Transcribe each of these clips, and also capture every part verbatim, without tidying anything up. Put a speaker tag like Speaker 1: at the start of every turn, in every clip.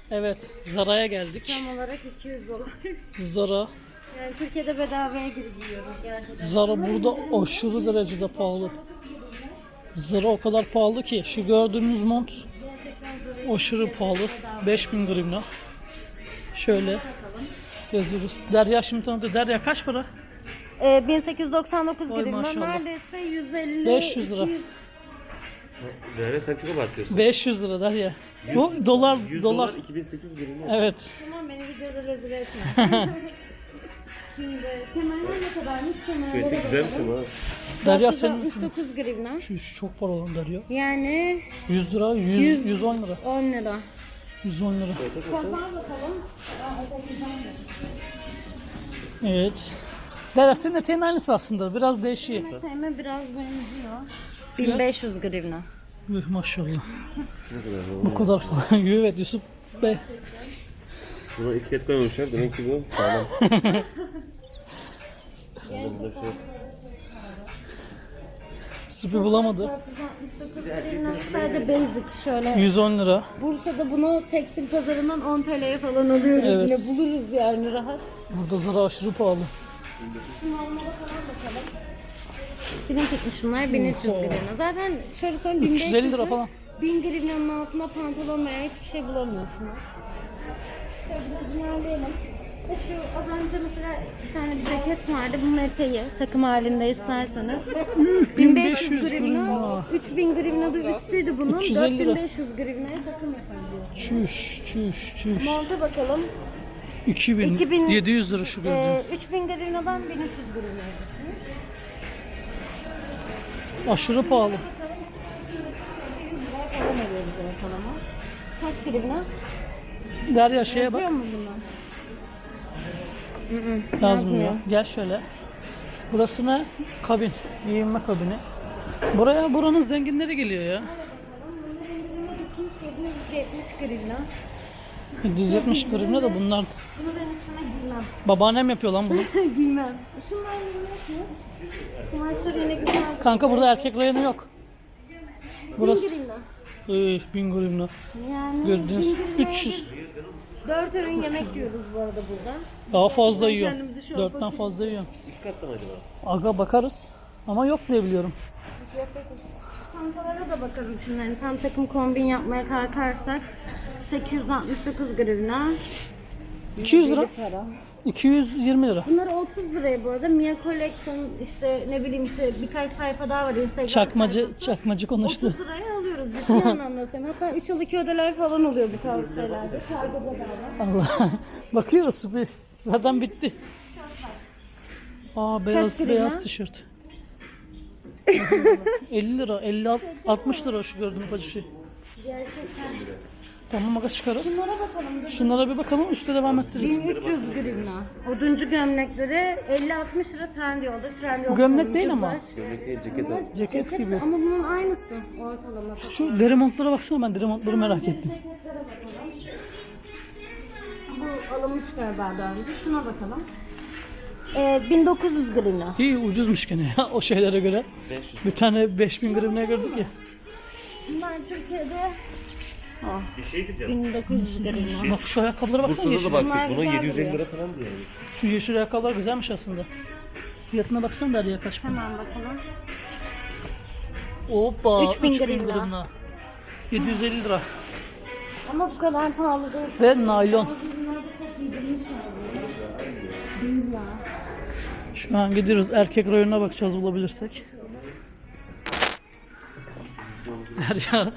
Speaker 1: Evet, Zara'ya geldik.
Speaker 2: Tam olarak iki yüz dolar.
Speaker 1: Zara.
Speaker 2: Yani Türkiye'de bedavaya girip giyiyoruz gerçekten.
Speaker 1: Zara burada aşırı derecede pahalı. Zara o kadar pahalı ki şu gördüğünüz mont aşırı pahalı. beş bin grivna. Şöyle yazıyoruz. Derya şimdi tanıdı. Derya kaç para?
Speaker 2: Ee, bin sekiz yüz doksan dokuz
Speaker 1: Vay
Speaker 2: grivna.
Speaker 1: maşallah.
Speaker 2: Neredeyse yüz elli
Speaker 1: beş yüz lira.
Speaker 2: iki yüz.
Speaker 3: Derya sen çok abartıyorsun.
Speaker 1: beş yüz lira Derya. Bu dolar
Speaker 3: yüz
Speaker 1: dolar.
Speaker 3: dolar iki bin sekiz yüz grivna.
Speaker 1: Evet.
Speaker 2: Tamam beni videoda rezil etme. Şimdi kemerler ne kadarmış? Kemerlere
Speaker 3: Evet, güzelmiş
Speaker 2: bakalım.
Speaker 3: ama.
Speaker 1: Derya
Speaker 2: dokuz yüz
Speaker 1: senin
Speaker 2: altmış dokuz grivna.
Speaker 1: şu, şu çok para olan Derya.
Speaker 2: Yani
Speaker 1: yüz lira, yüz,
Speaker 2: Yüz.
Speaker 1: yüz on lira.
Speaker 2: on lira.
Speaker 1: yüz on lira.
Speaker 2: Kapağı bakalım.
Speaker 1: Evet. Derya senin eteğin aynısı aslında. Biraz değişiyor.
Speaker 2: Sevme biraz benziyor. bin beş yüz grivna.
Speaker 1: Üh, maşallah.
Speaker 3: Ne kadar
Speaker 1: Bu kadar falan. Evet Yusuf Bey.
Speaker 3: Buna etiket koymamışlar. Demek ki bu sağlam. Sağlam bir şey.
Speaker 1: Süpü bulamadı.
Speaker 2: dört yüz altmış dokuz grivna sadece basic şöyle.
Speaker 1: yüz on lira.
Speaker 2: Bursa'da bunu tekstil pazarından on T L'ye falan alıyoruz.
Speaker 1: Evet.
Speaker 2: Yine buluruz yani rahat.
Speaker 1: Burada Zara aşırı pahalı.
Speaker 2: Normala falan bakalım. Film tutmuş bunlar bin üç yüz grivna. Zaten şöyle söyleyeyim bin
Speaker 1: üç yüz elli lira falan.
Speaker 2: bin grivnanın altında pantolon veya hiçbir şey bulamıyorsunuz. Şöyle biraz ilerleyelim. Ve şu az önce mesela bir tane bir ceket vardı. Bunun eteği takım halinde isterseniz. bin beş yüz grivna.
Speaker 1: grivna.
Speaker 2: üç bin grivna da üstüydü bunun.
Speaker 1: üç yüz
Speaker 2: dört
Speaker 1: elli
Speaker 2: bin
Speaker 1: lira.
Speaker 2: beş yüz grivnaya takım yapabiliyorsunuz.
Speaker 1: Çüş çüş çüş.
Speaker 2: Monta bakalım.
Speaker 1: iki bin,
Speaker 2: iki bin
Speaker 1: yedi yüz lira şu gördüğüm.
Speaker 2: Ee, üç bin grivnadan bin üç yüz grivnaya düşün.
Speaker 1: Aşırı pahalı.
Speaker 2: Falan alıyoruz ortalama. Kaç grivna?
Speaker 1: Derya şeye bak.
Speaker 2: Yazıyor mu bunlar?
Speaker 1: Yazmıyor. Gel şöyle. Burası ne? Kabin. Giyinme kabini. Buraya buranın zenginleri geliyor ya.
Speaker 2: yedi yüz yetmiş grivna.
Speaker 1: yedi yüz yetmiş grivna da bunlar.
Speaker 2: Bunu ben sana giymem.
Speaker 1: Babaannem yapıyor lan bunu.
Speaker 2: Giymem. Şunlar ne yapıyor? Kumaşlar yine güzel.
Speaker 1: Kanka burada erkek rayonu yok. Burası
Speaker 2: bin grivna.
Speaker 1: Üf, bin grivna.
Speaker 2: Yani
Speaker 1: Gördüğünüz
Speaker 2: bin grivnaya
Speaker 1: üç yüz.
Speaker 2: biz dört öğün yemek yiyoruz bu arada burada.
Speaker 1: Daha fazla yiyorum.
Speaker 2: Kendimizi şu an
Speaker 1: Dörtten
Speaker 2: bakıyoruz.
Speaker 1: fazla yiyorum.
Speaker 3: İki katta mı acaba?
Speaker 1: Aga bakarız. Ama yok diye biliyorum.
Speaker 2: Çantalara da bakalım şimdi. Yani tam takım kombin yapmaya kalkarsak sekiz yüz altmış dokuz grivna.
Speaker 1: iki yüz lira.
Speaker 2: Deli para.
Speaker 1: iki yüz yirmi lira.
Speaker 2: Bunlar otuz liraya bu arada. Mia Collection işte ne bileyim işte birkaç sayfa daha var Instagram
Speaker 1: Çakmacı
Speaker 2: sayfası.
Speaker 1: çakmacı konuştu.
Speaker 2: otuz liraya alıyoruz. Ciddi anlamda söylüyorum. Hatta üç yıl iki ödeler falan oluyor bu tarz şeylerde. Kargo bedava.
Speaker 1: Allah. Bakıyoruz bir. Zaten bitti. Aa beyaz
Speaker 2: grivna?
Speaker 1: beyaz tişört. elli lira, elli altmış lira şu gördüğüm ufacık şey.
Speaker 2: Gerçekten.
Speaker 1: Tamam aga çıkarız.
Speaker 2: Bunlara bakalım. dur.
Speaker 1: Şunlara bir bakalım üstte devam ettiririz.
Speaker 2: bin üç yüz grivna. Oduncu gömlekleri elli altmış lira Trendyol'da. Trendyol
Speaker 1: Bu gömlek
Speaker 2: falan
Speaker 1: değil ama.
Speaker 2: güzel.
Speaker 3: Gömlek değil, ceket al.
Speaker 1: Ceket gibi.
Speaker 2: Ama bunun aynısı ortalama.
Speaker 1: Şu deri montlara baksana, ben deri montları merak ettim.
Speaker 2: Ceketlere bakalım. Bu alınmış galiba daha önce. Şuna bakalım. Ee, bin dokuz yüz grivna.
Speaker 1: İyi ucuzmuş gene ya o şeylere göre.
Speaker 3: beş yüz.
Speaker 1: Bir tane beş bin grivnaya gördük ya.
Speaker 2: Bunlar Türkiye'de
Speaker 3: Bir şey diyeceğim.
Speaker 2: bin dokuz yüz grivna.
Speaker 1: Bak şu ayakkabılara baksana,
Speaker 3: Bursa'da
Speaker 1: yeşil.
Speaker 3: da
Speaker 2: Bunlar
Speaker 3: baktık. Buna
Speaker 2: güzel
Speaker 3: yedi yüz elli
Speaker 2: duruyor.
Speaker 3: lira falan diyor. Yani.
Speaker 1: Şu yeşil ayakkabılar güzelmiş aslında. Fiyatına baksana Derya kaç para.
Speaker 2: Hemen bakalım.
Speaker 1: Hoppa
Speaker 2: üç bin
Speaker 1: üç bin
Speaker 2: grivna.
Speaker 1: grivna. yedi yüz elli lira.
Speaker 2: Ama bu kadar pahalı değil.
Speaker 1: Ve naylon.
Speaker 2: Bunlar da çok yedirmiş Değil ya.
Speaker 1: Şu an gidiyoruz, erkek rayonuna bakacağız bulabilirsek. Derya.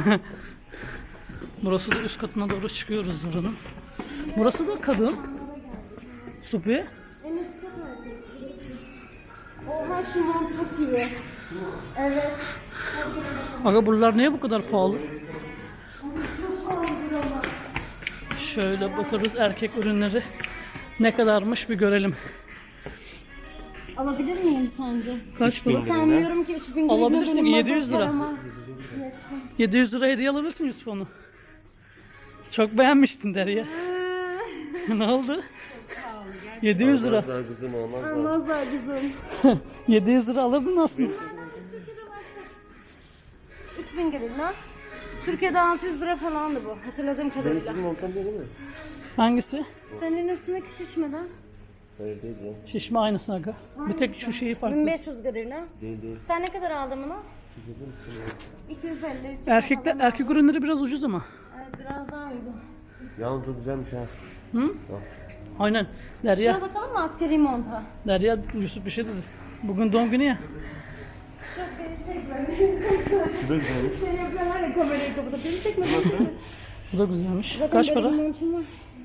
Speaker 1: Burası da üst katına doğru çıkıyoruz Zara'nın. Burası da kadın. Supi.
Speaker 2: En üst kat erkek. Oha şu mont çok iyi. Evet.
Speaker 1: Aga buralar niye bu kadar pahalı? Şöyle bakarız erkek ürünleri ne kadarmış bir görelim.
Speaker 2: Alabilir miyim sence?
Speaker 1: Kaç para?
Speaker 2: Sanmıyorum ki üç bin
Speaker 1: Alabilirsin,
Speaker 2: benim
Speaker 1: yedi yüz lira.
Speaker 2: mazot paramı yetsin.
Speaker 1: yedi yüz lira hediye alabilirsin Yusuf onu. Çok beğenmiştin Derya. Ne oldu? yedi yüz lira.
Speaker 3: Daha kızım olmaz da.
Speaker 2: Olmaz da kızım.
Speaker 1: yedi yüz lira alırdın aslında.
Speaker 2: üç bin grivna. Türkiye'de altı yüz lira falandı bu. Hatırladığım
Speaker 3: Benim
Speaker 2: kadarıyla.
Speaker 3: istediğim montan değil mi?
Speaker 1: Hangisi?
Speaker 2: Senin üstündeki şişmeden
Speaker 3: Hayır değil ya.
Speaker 1: Şişme aynısı aga. Bir tek şu şeyi
Speaker 2: bin
Speaker 1: farklı.
Speaker 2: beş yüz grivna.
Speaker 3: Değil değil.
Speaker 2: Sen ne kadar aldın bunu? iki yüz elli.
Speaker 1: Erkekler, erkek ürünleri biraz ucuz ama.
Speaker 2: Evet, biraz daha uygun.
Speaker 3: Yalnız çok güzelmiş ha.
Speaker 1: Hı? Aynen. Derya,
Speaker 2: Şuna bakalım mı askeri monta?
Speaker 1: Derya Yusuf bir şey dedi. Bugün doğum günü ya.
Speaker 2: Şu seni çek böyle.
Speaker 3: Şu da güzelmiş.
Speaker 2: Seni yapıyorlar ya kamerayı kapatıp. Beni çekme beni çekme.
Speaker 1: Bu da güzelmiş.
Speaker 2: Zaten
Speaker 1: Kaç
Speaker 2: böyle
Speaker 1: para?
Speaker 2: bir montum var.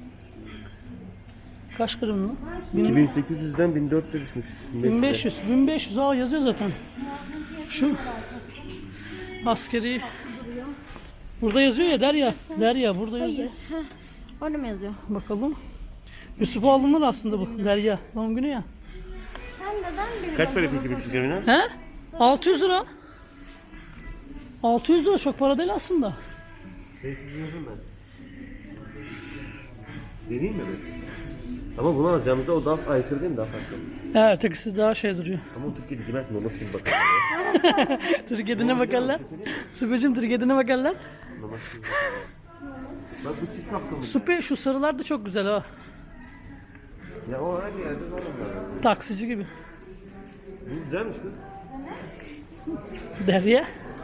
Speaker 1: Kaç gram mı?
Speaker 3: iki bin sekiz yüzden bin dört yüze düşmüş.
Speaker 1: bin beş yüz. bin beş yüz. Aa yazıyor zaten. Şu askeri. Burada yazıyor ya Derya. Derya burada yazıyor.
Speaker 2: Heh, orada mı yazıyor?
Speaker 1: Bakalım. Yusuf'a alınır aslında bu. Derya. Doğum günü ya.
Speaker 2: Sen neden bir
Speaker 3: Kaç para peki bir grivna?
Speaker 1: He? altı yüz lira. altı yüz lira çok para değil aslında.
Speaker 3: beş yüz yazdım ben. Deneyeyim mi ben? Ama bunu alacağımızda o daha aykırı değil mi? Daha farklı.
Speaker 1: Evet, ötekisi daha şey duruyor.
Speaker 3: Ama o Türkiye'de demez mi? O nasıl bir bakalım ya?
Speaker 1: Trigedine bakarlar. Süpecim trigedine bakarlar.
Speaker 3: Namaz şimdi. Bak bu çift kapsamı.
Speaker 1: Süpe şu sarılar da çok güzel ha.
Speaker 3: Ya o her yerde var onlar.
Speaker 1: Taksici gibi.
Speaker 3: Bu güzelmiş kız.
Speaker 1: Derya.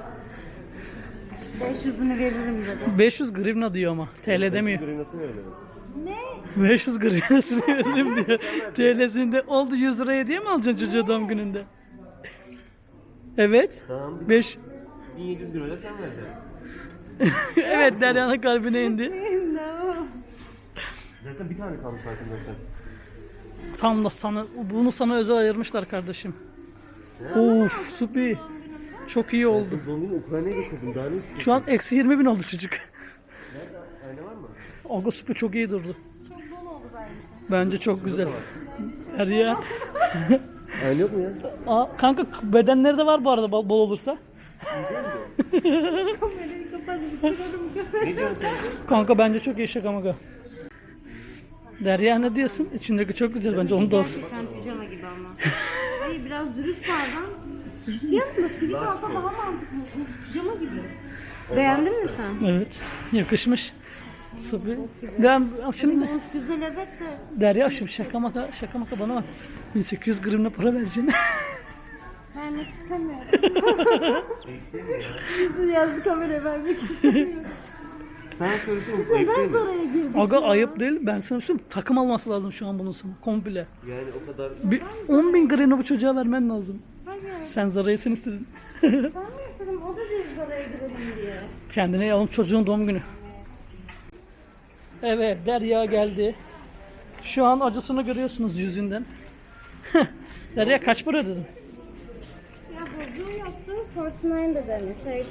Speaker 2: beş yüzünü veririm dedi.
Speaker 1: beş yüz grivna diyor ama. T L demiyor.
Speaker 3: Grivnasını verelim.
Speaker 2: Ne?
Speaker 1: beş yüz grivnasını veririm diyor. T L'sinde oldu yüz lira hediye mi alacaksın çocuğa doğum gününde? Evet.
Speaker 3: Tamam.
Speaker 1: beş.
Speaker 3: bin yedi yüz lira da sen vereceksin.
Speaker 1: Evet, Derya'nın kalbine indi.
Speaker 3: Zaten bir tane kalmış farkındaysan.
Speaker 1: Tam da sana, bunu sana özel ayırmışlar kardeşim. Of süper. Çok iyi oldu.
Speaker 3: Doğum günü Ukrayna'ya getirdim. Daha ne istiyorsun?
Speaker 1: Şu an eksi yirmi bin oldu çocuk.
Speaker 3: Nerede? Ayna var mı?
Speaker 1: Aga süper çok iyi durdu.
Speaker 2: Çok bol oldu bence.
Speaker 1: Bence çok güzel. Derya.
Speaker 3: Ayna yok mu ya?
Speaker 1: Aa, kanka bedenleri de var bu arada bol, bol olursa.
Speaker 2: Kamerayı kapat.
Speaker 3: Ne diyorsun sen?
Speaker 1: Kanka bence çok iyi şaka maka. Derya ne diyorsun? İçindeki çok güzel bence onu da olsun.
Speaker 2: Gerçekten pijama gibi ama. Hayır biraz dürüst pardon. Ciddi misin? Silip alsa daha mantıklı. Pijama gibi. Beğendin mi sen?
Speaker 1: Evet. Yakışmış. Süper. Ben şimdi
Speaker 2: Mont güzel evet de.
Speaker 1: Derya şimdi şaka maka şaka maka bana bak. bin sekiz yüz gramla para vereceksin.
Speaker 2: Vermek istemiyorum. Yüzü yazdı kameraya vermek istemiyorum.
Speaker 3: Sen söylesene. Ayıp değil
Speaker 2: Ben
Speaker 3: mi?
Speaker 2: oraya girdim.
Speaker 1: Aga ayıp değil. Ben sana söyleyeyim takım alması lazım şu an bunun sana. Komple.
Speaker 3: Yani o kadar...
Speaker 1: Bir on bin gramla bu çocuğa vermen lazım.
Speaker 2: Hayır.
Speaker 1: Sen Zara'yı sen istedin.
Speaker 2: Ben mi istedim? O da bir oraya girelim diye.
Speaker 1: Kendine yalım çocuğun doğum günü. Evet Derya geldi. Şu an acısını görüyorsunuz yüzünden. Derya kaç para dedin?
Speaker 2: Ya bozuğu yaptım. Fortnite de demiş. Şey.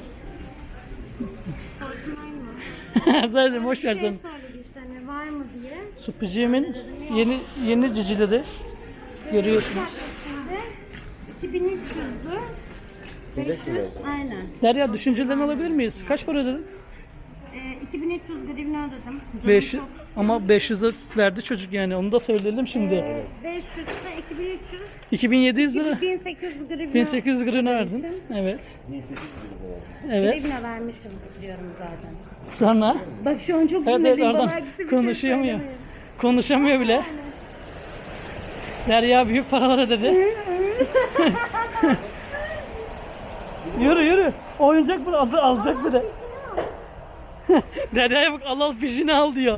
Speaker 2: Fortnite mı?
Speaker 1: Derya hoş
Speaker 2: Şey
Speaker 1: geldin.
Speaker 2: söyledi işte ne var mı diye.
Speaker 1: Supiciğimin yeni yeni cicileri görüyorsunuz.
Speaker 2: Şimdi iki bin üç yüzdü. beş yüz. Aynen.
Speaker 1: Derya düşüncelerini alabilir miyiz? Kaç para ödedin?
Speaker 2: Ee, iki bin üç yüz grivna ödedim. Canım
Speaker 1: beş yüz
Speaker 2: çok-
Speaker 1: ama beş yüze verdi çocuk yani onu da söyleyelim şimdi.
Speaker 2: Ee, beş yüz ise iki bin üç yüz.
Speaker 1: iki bin yedi yüz lira.
Speaker 2: iki bin sekiz yüz grivna.
Speaker 1: bin sekiz yüz grivna verdin. Evet. Evet.
Speaker 2: Grivna vermişim diyorum zaten.
Speaker 1: Sonra
Speaker 2: Bak şu an çok
Speaker 1: evet, evet
Speaker 2: sinirliyim.
Speaker 1: oradan
Speaker 2: Bana aksi bir
Speaker 1: konuşamıyor.
Speaker 2: şey söylemeyin.
Speaker 1: Konuşamıyor bile. Derya büyük paralar ödedi. Yürü yürü. Oyuncak mı adı alacak bir de. Derya'ya bak al al fişini al diyor.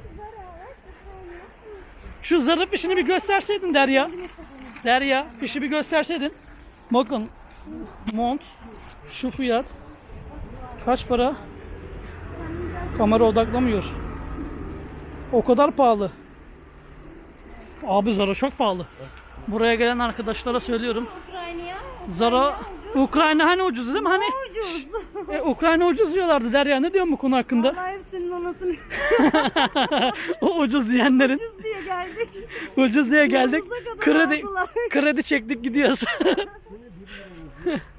Speaker 1: Şu zarı fişini bir gösterseydin Derya. Derya fişi bir gösterseydin. Bakın mont şu fiyat. Kaç para? Kamera odaklamıyor. O kadar pahalı. Abi Zara çok pahalı. Buraya gelen arkadaşlara söylüyorum.
Speaker 2: Ukrayna'ya.
Speaker 1: Zara Ukrayna hani ucuz değil mi? Hani
Speaker 2: Ucuz.
Speaker 1: e, Ukrayna ucuz diyorlardı Derya. Ne diyorsun bu konu hakkında?
Speaker 2: Vallahi hepsinin anasını
Speaker 1: O ucuz diyenlerin
Speaker 2: ucuz diye geldik.
Speaker 1: ucuz diye geldik.
Speaker 2: Ucuza kadar
Speaker 1: Kredi
Speaker 2: aldılar.
Speaker 1: kredi çektik gidiyoruz.